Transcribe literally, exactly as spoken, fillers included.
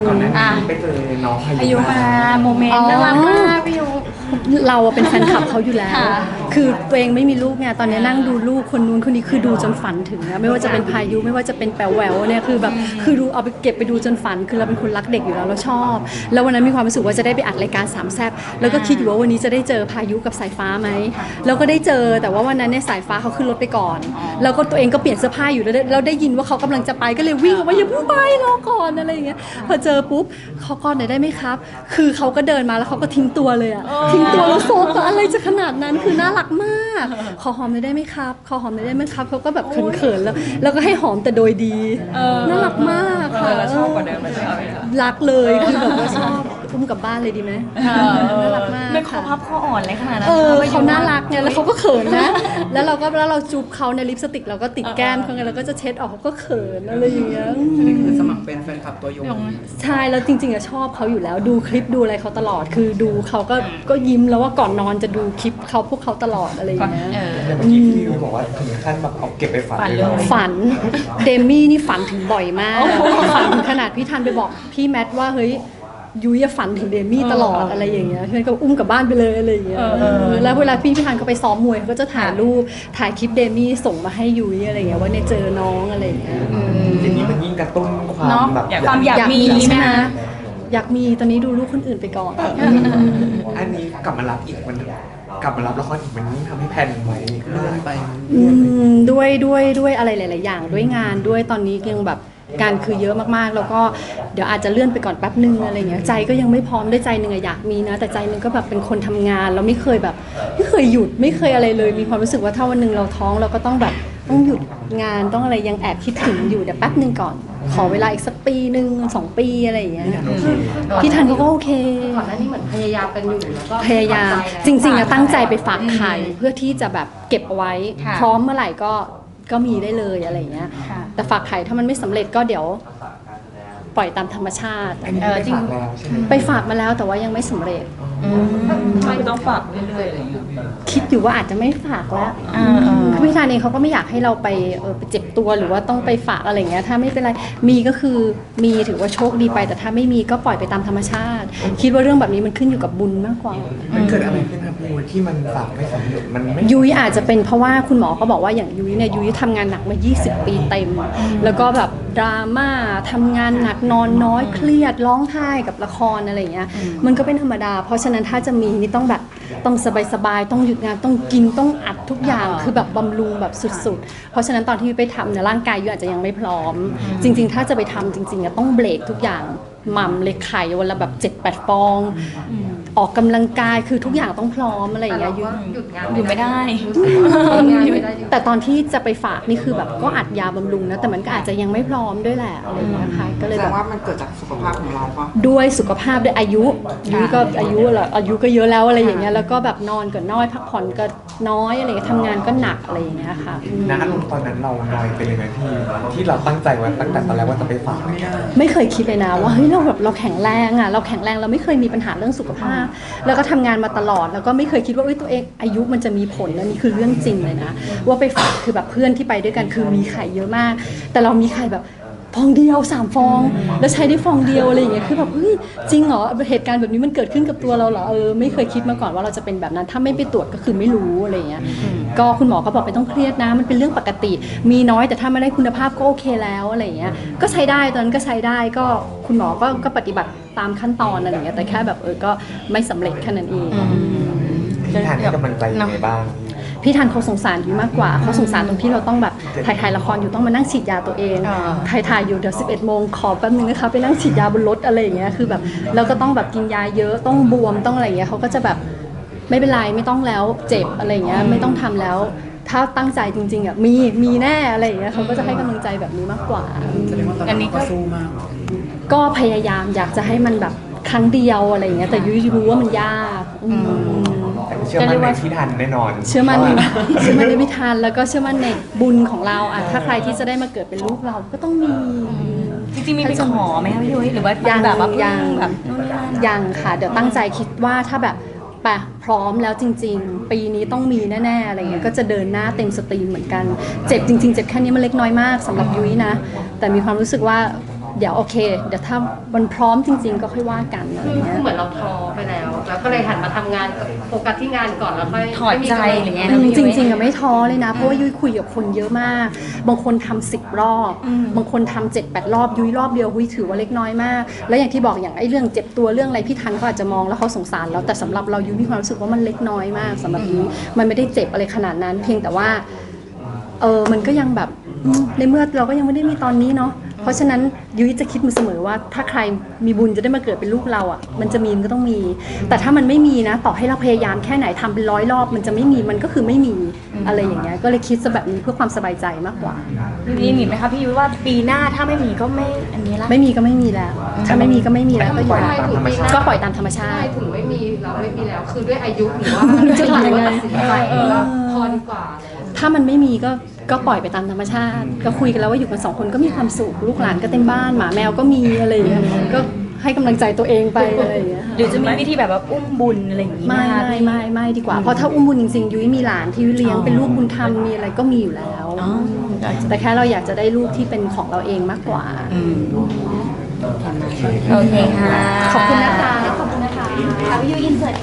ตอนนั้นไปเจอน้องอายุมาโมเมนต์น่ารักมากพี่ยุเราเป็นแฟนคลับเขาอยู่แล้วคือตัวเองไม่มีลูกไงตอนนี้นั่งดูลูกคนนู้นคนนี้คือดูจนฝันถึงนะไม่ว่าจะเป็นพายุไม่ว่าจะเป็นแป๋วแหววเนี่ยคือแบบคือดูเอาไปเก็บไปดูจนฝันคือเราเป็นคนรักเด็กอยู่แล้วเราชอบแล้ววันนั้นมีความรู้สึกว่าจะได้ไปอัดรายการสามแซ่บแล้วก็คิดอยู่ว่าวันนี้จะได้เจอพายุกับสายฟ้าไหมแล้วก็ได้เจอแต่ว่าวันนั้นเนี่ยสายฟ้าเขาขึ้นรถไปก่อนแล้วก็ตัวเองก็เปลี่ยนเสื้อผ้าอยู่แล้วเราได้ยินว่าเขากำลังจะไปก็เลยวิ่งออกมาอย่าเพิ่งไปรอก่อนอะไรอย่างเงี้ยพอเจอปุ๊บเขาก่อนหน่อยได้ไหมครับคือเขาก็เดินมาแล้วเขาก็ทิ้งตัวเลยอะทิ้งตัวแล้วโซฟอะไรจะขนาดนั้นคือน่ารักมากขอหอมหน่อยได้ไหมครับขอหอมหน่อยได้ไหมครับเขาก็แบบเขินๆแล้วแล้วก็ให้หอมแต่โดยดีน่ารักมากค่ะชอบกว่าเดิมเลยใช่ไหมรักเลยคือแบบว่าชอบอุ้มกลับบ้านเลยดีไหมน่ารักมากไม่คอพับคออ่อนเลยขนาดนั้นเออเขาน่ารักไงแล้วเขาก็เขินนะแล้วเราก็แล้วเราจูบเขาในลิปสติกเราก็ติดแก้มเขาไงเราก็จะเช็ดออกเขาก็เขินอะไรอย่างเงี้ยนี่คือสมัครเป็นแฟนคลับตัวยงใช่แล้วจริงๆอะชอบเขาอยู่แล้วดูคลิปดูอะไรเขาตลอดคือดูเขาก็ก็ยิ้มแล้วว่าก่อนนอนจะดูคลิปเขาพวกเขาตลอดอะไรอย่างเงี้ยแต่เมื่อกี้พี่ยูบอกว่าถึงขั้นแบบเอาเก็บไปฝันเลยฝันเดมี่นี่ฝันถึงบ่อยมากฝันถึงขนาดพี่ทันไปบอกพี่แมทว่าเฮ้ยยุ้ยฝันถึงเดมี่ตลอดอะไรอย่างเงี้ยเพื่อนก็อุ้มกลับบ้านไปเลยอะไรอย่างเงี้ยแล้วเวลาพี่พี่ทันเขาไปซ้อมมวยเขาก็จะถ่ายรูปถ่ายคลิปเดมี่ส่งมาให้ยุ้ยอะไรอย่างเงี้ยว่าเนี่ยเจอน้องอะไรอย่างเงี้ยอย่างนี้มันยิ่งกระตุ้นความแบบความอยากมีใช่ไหมอยากมีตอนนี้ดูลูกคนอื่นไปก่อนอันนี้กลับมารับอีกมันกลับมารับละครอีกมันยิ่งทำให้แผ่นไว้เลื่อนไปด้วยด้วยด้วยอะไรหลายๆอย่างด้วยงานด้วยตอนนี้ยังแบบงานคือเยอะมากๆแล้วก็เดี๋ยวอาจจะเลื่อนไปก่อนแป๊บนึงอะไรเงี้ยใจก็ยังไม่พร้อมได้ใจหนึ่งอยากมีนะแต่ใจหนึ่งก็แบบเป็นคนทำงานเราไม่เคยแบบไม่เคยหยุดไม่เคยอะไรเลยมีความรู้สึกว่าถ้าวันหนึ่งเราท้องเราก็ต้องแบบต้องหยุดงานต้องอะไรยังแอบคิดถึงอยู่เดี๋ยวแป๊บนึงก่อนขอเวลาอีกสักปีหนึ่งสองปีอะไรอย่างเงี้ยพี่ทันเขาก็โอเคก่อนหน้านี้เหมือนพยายามกันอยู่แล้วก็พยายามจริงๆอะตั้งใจไปฝากไข่เพื่อที่จะแบบเก็บเอาไว้พร้อมเมื่อไหร่ก็ก็มีได้เลยอะไรอย่างเงี้ยแต่ฝากไข่ถ้ามันไม่สำเร็จก็เดี๋ยวปล่อยตามธรรมชาติเออจริงไปฝากมาแล้วแต่ว่ายังไม่สำเร็จไม่ต้องฝากเรื่อยๆอะไรอย่างเงี้ยคิดอยู่ว่าอาจจะไม่ฝากแล้วคือพี่ธาเองเขาก็ไม่อยากให้เราไปเออไปเจ็บตัวหรือว่าต้องไปฝากอะไรเงี้ยถ้าไม่เป็นไรมีก็คือมีถือว่าโชคดีไปแต่ถ้าไม่มีก็ปล่อยไปตามธรรมชาติคิดว่าเรื่องแบบนี้มันขึ้นอยู่กับบุญมากกว่ามันเกิดอะไรขึ้นครับพี่ที่มันฝากไม่สำเร็จมันไม่ยุ้ยอาจจะเป็นเพราะว่าคุณหมอเขาบอกว่าอย่างยุ้ยเนี่ยยุ้ยทำงานหนักมายี่สิบปีเต็มแล้วก็แบบดราม่าทำงานหนักนอนน้อยเครียดร้องไห้กับละครอะไรเงี้ยมันก็เป็นธรรมดาเพราะฉะนั้นถ้าจะมีนี่ต้องแบบต้องสบายๆต้องหยุดงานต้องกินต้องอัดทุกอย่างคือแบบบำรุงแบบสุดๆเพราะฉะนั้นตอนที่ไปทำเนี่ยร่างกายยุ้ยอาจจะยังไม่พร้อมจริงๆถ้าจะไปทำจริงๆต้องเบรกทุกอย่างหม่ำเลยไข่วันละแบบเจ็ดแปดฟองออกกำลังกายคือทุกอย่างต้องพร้อมอะไรอย่างเงี้ยยุ้ยหยุดงานหยุดไม่ได้แต่ตอนที่จะไปฝากนี่คือแบบก็อัดยาบำรุงนะแต่มันก็อาจจะยังไม่พร้อมด้วยแหละอะไรอย่างเงี้ยค่ะก็เลยแบบว่ามันเกิดจากสุขภาพของเราปะด้วยสุขภาพด้วยอายุยุ้ยก็อายุแหละอายุก็เยอะแล้วอะไรอย่างเงี้ยแล้วก็แบบนอนก็น้อยพักผ่อนก็น้อยอะไรเงี้ยทำงานก็หนักอะไรอย่างเงี้ยค่ะนะตอนนั้นเราหน่อยเป็นยังไงที่ที่เราตั้งใจไว้ตั้งแต่ตอนแรกว่าจะไปฝากไม่เคยคิดเลยนะว่าเฮ้ยเราแบบเราแข็งแรงอ่ะเราแข็งแรงเราไม่เคยมีปัญหาเรื่องสุขภาพแล้วก็ทำงานมาตลอดแล้วก็ไม่เคยคิดว่าเอ้ยตัวเองอายุมันจะมีผลนะนี่คือเรื่องจริงเลยนะว่าไปฝากคือแบบเพื่อนที่ไปด้วยกันคือมีไข่เยอะมากแต่เรามีไข่แบบฟองเดียวสามฟองแล้วใช้ได้ฟองเดียวอะไรอย่างเงี้ยคือแบบเฮ้ยจริงเหรอเหตุการณ์แบบนี้มันเกิดขึ้นกับตัวเราเหรอเออไม่เคยคิดมาก่อนว่าเราจะเป็นแบบนั้นถ้าไม่ไปตรวจก็คือไม่รู้อะไรอย่างเงี้ยก็คุณหมอก็บอกไม่ต้องเครียดนะมันเป็นเรื่องปกติมีน้อยแต่ถ้าไม่ได้คุณภาพก็โอเคแล้วอะไรอย่างเงี้ยก็ใช้ได้ตอนนั้นก็ใช้ได้ก็คุณหมอก็ก็ปฏิบัติตามขั้นตอนอะไรอย่างเงี้ยแต่แค่แบบเออก็ไม่สำเร็จแค่นั้นเองพี่ทันให้กำลังใจยังไงบ้างพี่ทันเขาสงสารอยู่มากกว่าเขาสงสารตรงที่เราต้องแบบถ่ายถ่ายละครอยู่ต้องมานั่งฉีดยาตัวเองถ่ายถ่ายอยู่เดี๋ยวสิบเอ็ดโมงขอแป๊บนึงนะคะไปนั่งฉีดยาบนรถอะไรอย่างเงี้ยคือแบบเราก็ต้องแบบกินยาเยอะต้องบวมต้องอะไรอย่างเงี้ยเขาก็จะแบบไม่เป็นไรไม่ต้องแล้วเจ็บอะไรอย่างเงี้ยไม่ต้องทำแล้วถ้าตั้งใจจริงๆอ่ะมีมีแน่อะไรอย่างเงี้ยเขาก็จะให้กำลังใจแบบนี้มากกว่าอันนี้ก็สู้มากก็พยายามอยากจะให้มันแบบครั้งเดียวอะไรอย่างเงี้ยแต่ยุ้ยรู้ว่ามันยากเชื่อมั่นในพี่ทันแน่นอนเชื่อมั่นเชื่อมั่นในพี่ทันแล้วก็เชื่อมั่นในบุญของเราอ่ะถ้าใครที่จะได้มาเกิดเป็นลูกเราก็ต้องมีจริงๆมีไปขอไหมคะพี่ยุ้ยหรือว่ายังแบบว่ายังแบบยังค่ะเดี๋ยวตั้งใจคิดว่าถ้าแบบปะพร้อมแล้วจริงๆปีนี้ต้องมีแน่ๆอะไรเงี้ยก็จะเดินหน้าเต็มสตรีมเหมือนกันเจ็บจริงๆเจ็บแค่นี้มันเล็กน้อยมากสำหรับยุ้ยนะแต่มีความรู้สึกว่าเดี๋ยวโอเค เดี๋ยวถ้ามันพร้อมจริง ๆ ก็ค่อยว่ากันอะไรคือเงี้ยเหมือนเราท้อไปแล้ว แล้วก็เลยหันมาทำงานกับโฟกัสที่งานก่อนแล้วค่อยถอดใจอะไรเงี้ยอืมจริงๆอะไม่ท้อเลยนะ เพราะว่ายุ้ยคุยกับคนเยอะมาก บางคนทำสิบรอบอืมบางคนทำเจ็ดแปดรอบยุ้ยรอบเดียวยุ้ยถือว่าเล็กน้อยมาก แล้วอย่างที่บอกอย่างไอ้เรื่องเจ็บตัวเรื่องอะไรพี่ทันเขาอาจจะมองแล้วเขาสงสารเราแต่สำหรับเรายุ้ยมีความรู้สึกว่ามันเล็กน้อยมากสำหรับยุ้ยมันไม่ได้เจ็บอะไรขนาดนั้น เพียงแต่ว่าเออมันก็ยังแบบอืมในเมื่อเราก็ยังไม่ได้มีตอนนี้เนาะเพราะฉะนั้นยุ้ยจะคิดมาเสมอว่าถ้าใครมีบุญจะได้มาเกิดเป็นลูกเราอ่ะมันจะมีมันก็ต้องมี แต่ถ้ามันไม่มีนะต่อให้เราพยายามแค่ไหนทำเป็นร้อยรอบมันจะไม่มีมันก็คือไม่มีอะไรอย่างเงี้ยก็เลยคิดซะแบบนี้เพื่อความสบายใจมากกว่ามีมีไหมคะพี่ยุ้ยว่าปีหน้าถ้าไม่มีก็ไม่อันนี้ละไม่มีก็ไม่มีแล้ว ถ้าไม่มีก็ไม่มีแล้วก็อยู่ปล่อยตามธรรมชาติก็ปล่อยตามธรรมชาใช่ติถึงไม่มีเราไม่มีแล้ว คือด้วยอายุหรือว่าไม่รู้จะทำยังไงตัดสินใจเองว่าพอดีกว่าอะไรอย่างเงี้ยถ้ามันไม่มีก็ก็ปล่อยไปตามธรรมชาติ ก็คุยกันแล้วว่าอยู่กันสองคนก็มีความสุขลูกหลานก็เต็มบ้านหมาแมวก็มีอะไรอย่างเงี้ยก็ให้กำลังใจตัวเองไปอะไรอย่างเงี้ยหรือจะมีวิธีแบบว่าอุ้มบุญอะไรอย่างงี้ไหมไม่คะไม่ไม่ไม่ดีกว่าเพราะถ้าอุ้มบุญจริงๆยุ้ยมีหลานที่ยุ้ยเลี้ยงเป็นลูกบุญธรรมมีอะไรก็มีอยู่แล้วอ๋อแต่แค่เราอยากจะได้ลูกที่เป็นของเราเองมากกว่าอืมโอเคค่ะขอบคุณนะคะขอบคุณนะคะพี่ยุ้ยอินเสิร์ต